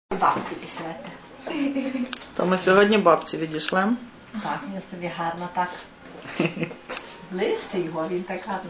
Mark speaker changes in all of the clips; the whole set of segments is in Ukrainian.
Speaker 1: Бабці пішвете.
Speaker 2: То ми сьогодні бабці відійшлем.
Speaker 1: Так, я собі гарно так. Ближче його, він так гарно.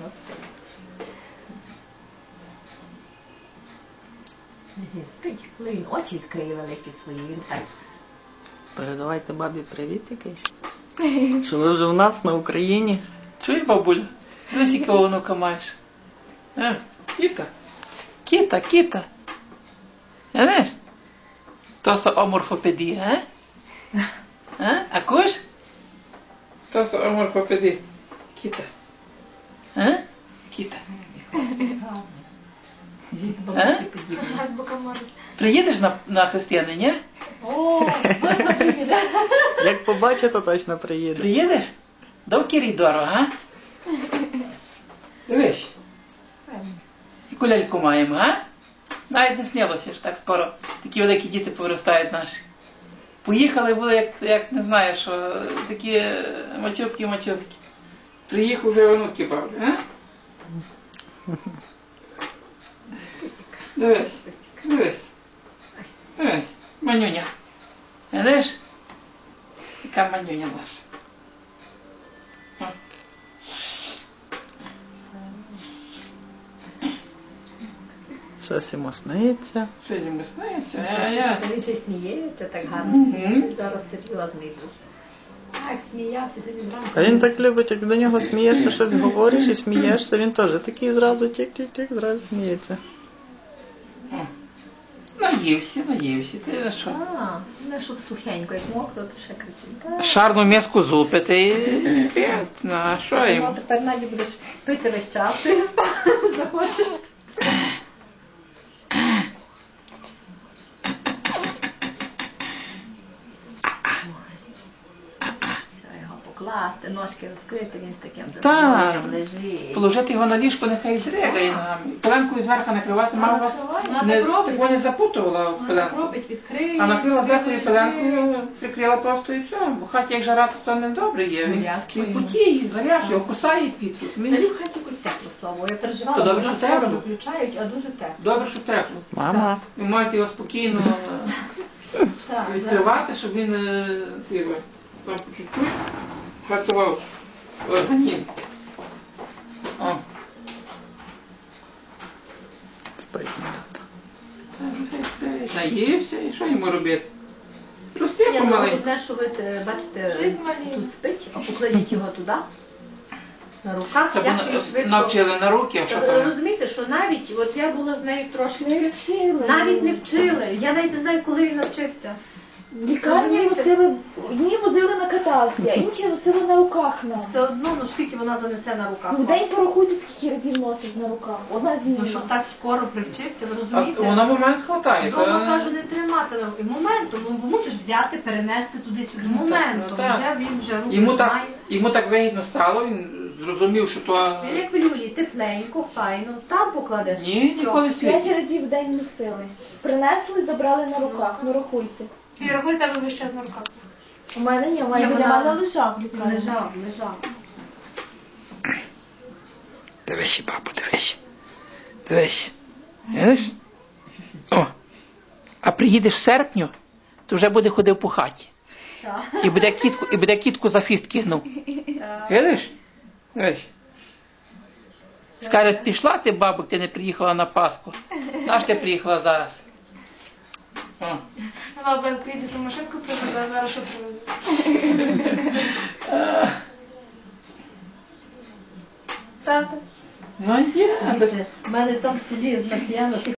Speaker 1: Він спить, коли він очі відкриє великі свої, він так.
Speaker 2: Передавайте бабі привіт якийсь. Що ви вже в нас на Україні.
Speaker 3: Чуєш, бабуля? Дивись, якого онука маєш. Кіта. Кіта, кіта. Знаєш? То са оморфопедія, а? А куш? То са оморфопедія. Кіта. Кіта. Приїдеш на хрестини, ні?
Speaker 1: О, можна приїде.
Speaker 2: Як побачить, то точно приїде.
Speaker 3: Приїдеш? До коридору, а? Дивись. Яку ляльку маємо, а? Навіть не снилося ж так скоро. Такі великі діти повиростають наші. Поїхали були, як не знаю, що такі мачовки. Приїхав вже онуки бавлю, а? Дивись, дивись. Дивись, манюня. Видиш? Яка манюня наша.
Speaker 2: Щось йому сниться.
Speaker 3: Що йому сниться?
Speaker 1: Він ще й сміється так гарно. Зараз серйозний був. Так, сміявся, він зранку.
Speaker 2: А він так любить, як до нього смієшся, щось говориш і смієшся, він теж такий зразу тік-тік-тік, зразу сміється.
Speaker 3: Наївся, ти за що?
Speaker 1: Не щоб сухенько, як мокро, то ще кричить.
Speaker 3: Шарну м'язку зупити і спить. Ну, а що йому?
Speaker 1: Ну, тепер Наді будеш пити весь час, що захочеш. Покласти, ножки розкрити, він з таким
Speaker 3: Так,
Speaker 1: лежить.
Speaker 3: положити його на ліжко, нехай зрягає ногами. Пеленкою зверху накривати, мама вас не запутувала в пеленку.
Speaker 1: Робить, відкриє.
Speaker 3: А накрила зверху пеленкою, прикрила просто і все. Бо в хаті як жара, то не добре є. Він потіє, гарячий, його кусає пітрус.
Speaker 1: Взагалі в хаті якось тепло слово. Я переживала,
Speaker 3: То добре,
Speaker 1: бо
Speaker 3: що
Speaker 1: скоро
Speaker 3: тепло.
Speaker 1: виключають, а дуже тепло.
Speaker 3: Добре, що тепло.
Speaker 2: Мама.
Speaker 3: Ви маєте його спокійно
Speaker 1: Так,
Speaker 3: відкривати, щоб він там по чуть-чуть працював організм. О.
Speaker 2: Спить.
Speaker 3: Наївся, і що йому робити? Рости
Speaker 1: Ні, ну,
Speaker 3: помаленьку.
Speaker 1: одне, що ви бачите, тут спить, а покладіть його туди, на руках,
Speaker 3: Та
Speaker 1: як він швидко.
Speaker 3: навчили на руки, а що там?
Speaker 1: Розумієте, що навіть, от я була з нею трошки, навіть не вчили. Я навіть не знаю, коли він навчився.
Speaker 4: В лікарні носили, одні возили на каталці, а інші носили на руках нас.
Speaker 1: Все одно, ну скільки вона занесе на руках.
Speaker 4: В день порахуйте, скільки разів носить на руках. Одна зміна.
Speaker 1: Ну, щоб так скоро привчився, ви
Speaker 3: А
Speaker 1: розумієте?
Speaker 3: вона момент схватає.
Speaker 1: Дома, кажу, не тримати на руки. Моментом, ну мусиш взяти, перенести туди-сюди. Моментом,
Speaker 3: так.
Speaker 1: вже він вже руки знає.
Speaker 3: Йому так вигідно стало, він зрозумів, що то...
Speaker 1: Він як в люлі, тепленько, файно, там покладеш.
Speaker 3: Ні, ніколи
Speaker 4: 5
Speaker 3: світі.
Speaker 4: разів в день носили. Принесли, забрали на руках. Ну рахуйте.
Speaker 1: І рахуй тебе весь час на руках.
Speaker 4: У мене ні, у мене
Speaker 1: Ні,
Speaker 4: біля
Speaker 1: вона-
Speaker 4: мене лежав в лікарні.
Speaker 1: Лежав.
Speaker 3: Дивись, бабу, дивись. Дивись. Видиш? О. А приїдеш в серпню, то вже буде ходив по хаті.
Speaker 1: Так.
Speaker 3: І буде кітку за фіст кинув. Видиш? Дивись. Скаже, пішла ти, бабу, ти не приїхала на Пасху. Наш ти приїхала зараз. О.
Speaker 5: Баба, як прийде, то машинку привезе, а зараз що привезе?
Speaker 1: Тата.
Speaker 3: Ну, є.
Speaker 1: У мене там в селі знатєно,